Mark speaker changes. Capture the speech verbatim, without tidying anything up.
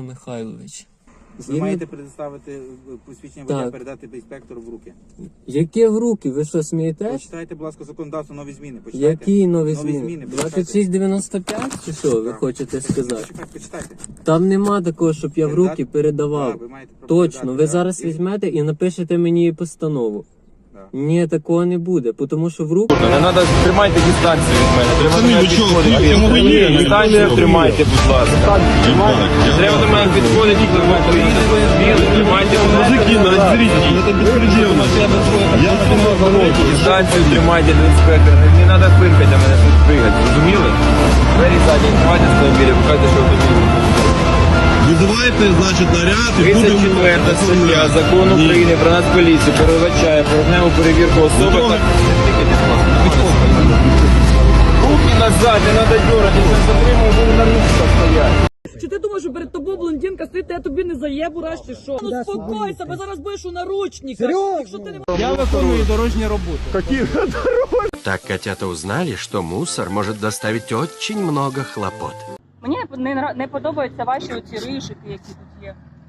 Speaker 1: Михайлович.
Speaker 2: Ви
Speaker 1: І
Speaker 2: маєте
Speaker 1: ми-
Speaker 2: предоставити посвідчення водія,
Speaker 1: Так.
Speaker 2: передати інспектору в руки.
Speaker 1: Яке в руки? Ви що, смієтесь?
Speaker 2: Почитайте, будь ласка, законодавство, нові зміни. Почитайте.
Speaker 1: Які нові
Speaker 2: Нові
Speaker 1: зміни?
Speaker 2: зміни,
Speaker 1: двадцять шість дев'яносто п'ять чи що ви
Speaker 2: Так.
Speaker 1: хочете сказати?
Speaker 2: Почекайте, почитайте.
Speaker 1: Там нема такого, щоб я в
Speaker 2: Передати?
Speaker 1: руки передавав.
Speaker 2: Так, ви маєте право
Speaker 1: Точно,
Speaker 2: передати,
Speaker 1: ви
Speaker 2: так.
Speaker 1: зараз
Speaker 2: І-
Speaker 1: візьмете і напишете мені постанову.
Speaker 2: Так.
Speaker 1: Ні, такого не буде, тому що в руки...
Speaker 3: Не треба, тримайте дистанцію від мене. Треба до
Speaker 4: Пацани,
Speaker 3: мене
Speaker 4: ви чого,
Speaker 3: підходити.
Speaker 4: в чому ви є?
Speaker 3: Дистанцію тримайте, будь ласка. Треба до мене підходити, коли ви поїдете. Тримайте, будь ласка.
Speaker 4: Мужики, ну разберитесь, это беспредел. Я
Speaker 3: Дистанцію тримайте до інспектора. Не треба пиркати, а мене тут пригати. Розуміли? Двері задні, тримайте з автомобіля, покажете, що автомобіль.
Speaker 4: вызываете, значит, наряд и
Speaker 3: тридцять
Speaker 4: будем
Speaker 3: четверта стаття Закону
Speaker 4: Ні.
Speaker 3: України про Нацполіцію передбачає поверхневу перевірку особи
Speaker 4: Добре.
Speaker 3: та... Руки назад, не треба дергати, я затримую, буду на місці стояти.
Speaker 5: Чи ти думаєш, що перед тобою блондинка стоїть, я тобі не заєбу раз чи що? Ну спокойся, бо зараз будеш у наручниках. Якщо ти не
Speaker 1: Я виконую дорожні роботи.
Speaker 6: Так котята узнали, что мусор может доставить очень много хлопот.
Speaker 5: Мені не, не, не подобаються ваші оці ришики, які тут є.